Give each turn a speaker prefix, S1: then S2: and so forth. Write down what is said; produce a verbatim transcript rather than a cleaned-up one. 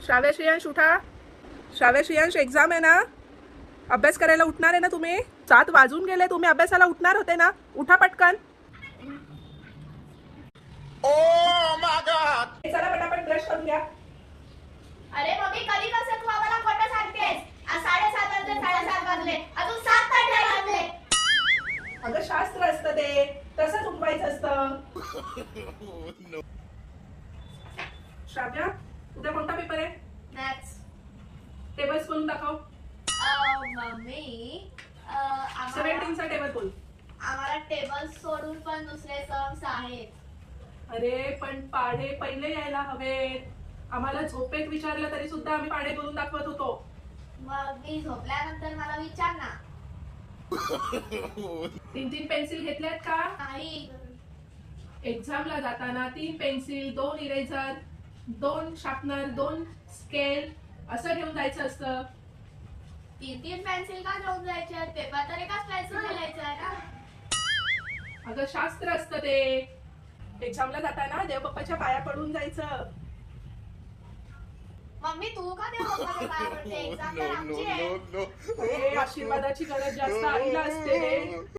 S1: श्राव्य श्रेयांश उठा. श्राव्य श्रेयांश एक्झाम आहे ना, अभ्यास करायला उठणार आहे ना तुम्ही? सात वाजून गेले, तुम्ही अभ्यासाला उठणार होते ना? उठा पटकन. चला पटापट ब्रश करून घ्या.
S2: अरे मम्मी कधी कसं तू आम्हाला खोटं सांगतेस? आज साडेसात वाजले साडेसात वाजले अजून सात पण नाही वाजले.
S1: अगं शास्त्र असतं ते, तसंच उठवायचं असतं. श्राव्या, उद्या कोणता पेपर आहे?
S2: मॅथ्स.
S1: टेबल्स बोलून दाखव.
S2: मम्मी
S1: सेव्हन्टीनचा टेबल बोल.
S2: आम्हाला टेबल सोडून पण दुसरे सम्स आहेत.
S1: अरे पण पाढे पहिले यायला हवेत. आम्हाला झोपेत विचारलं तरी सुद्धा आम्ही पाढे करून दाखवत होतो.
S2: मग मी झोपल्यानंतर मला विचार ना.
S1: तीन तीन पेन्सिल घेतल्यात का?
S2: नाही.
S1: एक्झामला जाताना तीन पेन्सिल, दोन इरेझर, दोन शार्पनर, दोन स्केल असं घेऊन जायचं असतं.
S2: तीन तीन पेन्सिल का घेऊन जायचे? पेपर तर एकाच पेन्सिल लिहायचं आहे ना.
S1: अगं शास्त्र असतं ते. एक्झामला जाताना देवबाप्पाच्या पाया पडून जायचं.
S2: मम्मी तू का देवबाप्पाच्या पाया पडते? एक्झाम तर आमची आहे.
S1: अरे, आशीर्वादाची गरज जास्त आईला असते रे.